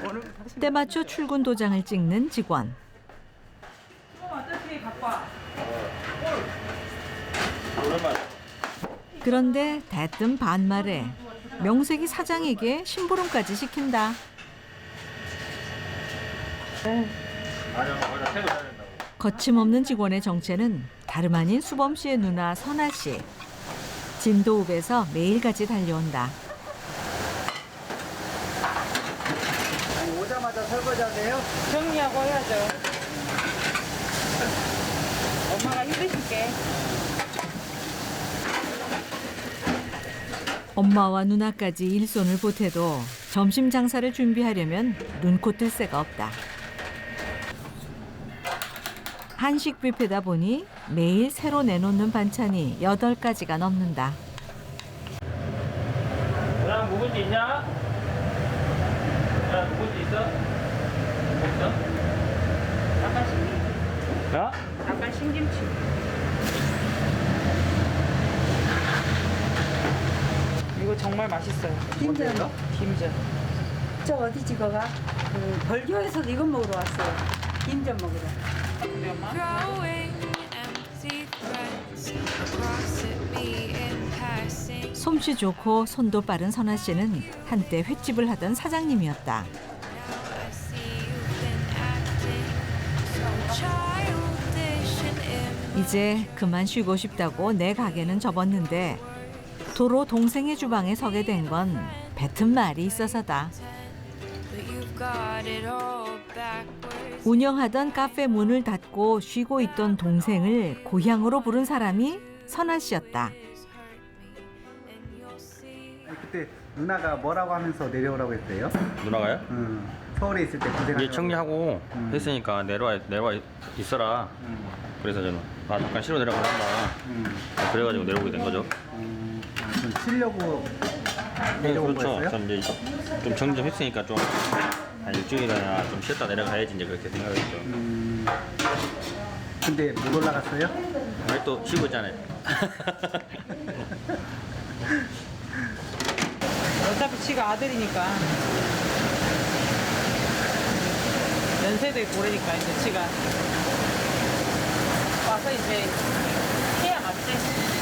때맞춰 출근 도장을 찍는 직원. 그런데 대뜸 반말에 명색이 사장에게 심부름까지 시킨다. 거침없는 직원의 정체는 다름 아닌 수범 씨의 누나 선아 씨. 진도읍에서 매일같이 달려온다. 아니, 오자마자 설거지 하세요? 정리하고 해야죠. 엄마가 힘드실게. 엄마와 누나까지 일손을 보태도 점심 장사를 준비하려면 눈코 뜰 새가 없다. 한식 뷔페다 보니 매일 새로 내놓는 반찬이 8가지가 넘는다. 너랑 묵은지 있냐? 너랑 묵은지 있어? 없어? 아까 신김치. 야? 아까 신김치. 이거 정말 맛있어요. 김전. 김전. 저 어디 찍어가? 그 벌교에서 이거 먹으러 왔어요. 김전 먹으러. 우리 엄마. Throwing empty threats across at me in passing. 솜씨 좋고 손도 빠른 선아 씨는 한때 횟집을 하던 사장님이었다. I see you've been acting so childish and immature. 이제 그만 쉬고 싶다고 내 가게는 접었는데 도로 동생의 주방에 서게 된 건 뱉은 말이 있어서다. But you've got it all backwards. 운영하던 카페 문을 닫고 쉬고 있던 동생을 고향으로 부른 사람이 선아 씨였다. 그때 누나가 뭐라고 하면서 내려오라고 했어요? 누나가요? 서울에 있을 때 고생하셨다고. 이제 정리하고 했으니까 내려와 있어라. 그래서 저는 잠깐 쉬러 내려간다. 그래가지고 내려오게 된 거죠. 좀 치려고 내려온 그렇죠. 거였어요? 전 이제 좀 정리 좀 했으니까 좀 한 일주일이나 좀 쉬었다 내려가야지 이제 그렇게 생각했죠. 근데 못 올라갔어요? 아니 또 쉬고 있잖아요. 어차피 지가 아들이니까. 연세도 있고 그러니까 이제 지가 와서 이제 해야 맞지.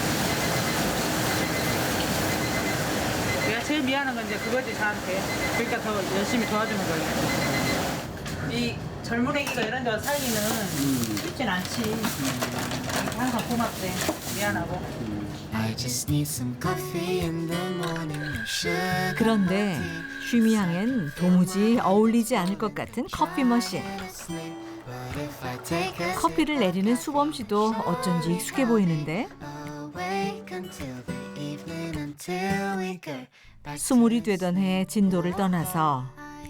내가 제일 미안한 건 이제 그거지 저한테. 그러니까 더 열심히 도와주는 거예요. 이 젊은 애기가 이런 데 와서 살기는 쉽진 않지. 항상 고맙대. 미안하고. I just need some coffee in the morning. No sugar. 그런데 쉼이향엔 도무지 어울리지 않을 것 같은 커피 머신. But if I take a 커피를 내리는 수범 씨도 어쩐지 익숙해 보이는데 awake until the evening until we get back. 스물이 되던 해 진도를 떠나서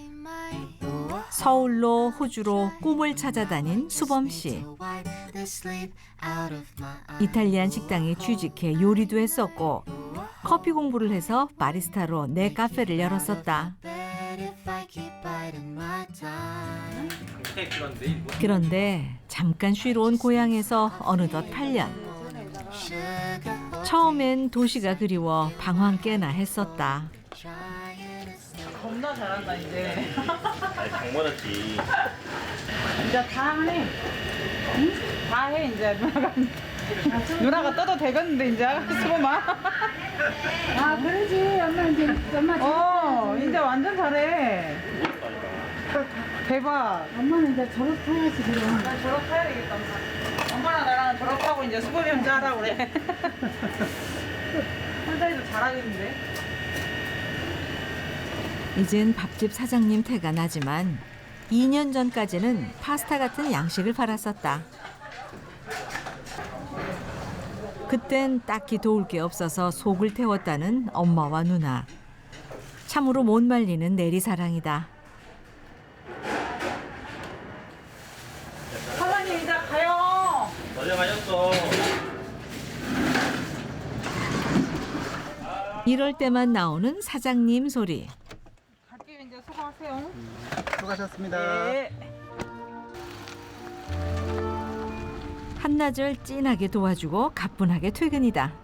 서울로 호주로 꿈을 찾아다닌 수범 씨. Wipe the sleep out of my eyes. 이탈리안 식당에 취직해 요리도 했었고 커피 공부를 해서 바리스타로 내 카페를 열었었다. But if I keep biding my time. 그런데 잠깐 쉬러 온 고향에서 어느덧 8년. Sugar, 처음엔 도시가 그리워 방황 꽤나 했었다. 겁나 잘한다 이제. 아니 당번했지. 이제 다 해. 응? 다 해 이제 누나가. 누나가 떠도 되겠는데 이제 수고마. 아, 그러지. 엄마 이제 이제 완전 잘해. 대박. 엄마는 이제 졸업해야지 그럼. 나 졸업해야 되겠다. 엄마랑 나랑 졸업하고 이제 수범이 혼자 하라고 그래. 혼자 해도 잘하겠는데. 이젠 밥집 사장님 태가 나지만 2년 전까지는 파스타 같은 양식을 팔았었다. 그땐 딱히 도울 게 없어서 속을 태웠다는 엄마와 누나. 참으로 못 말리는 내리사랑이다. 사장님 이제 가요. 어제 가셨어. 이럴 때만 나오는 사장님 소리. 갈게요 이제 수고하세요. 수고하셨습니다. 네. 한나절 찐하게 도와주고 가뿐하게 퇴근이다.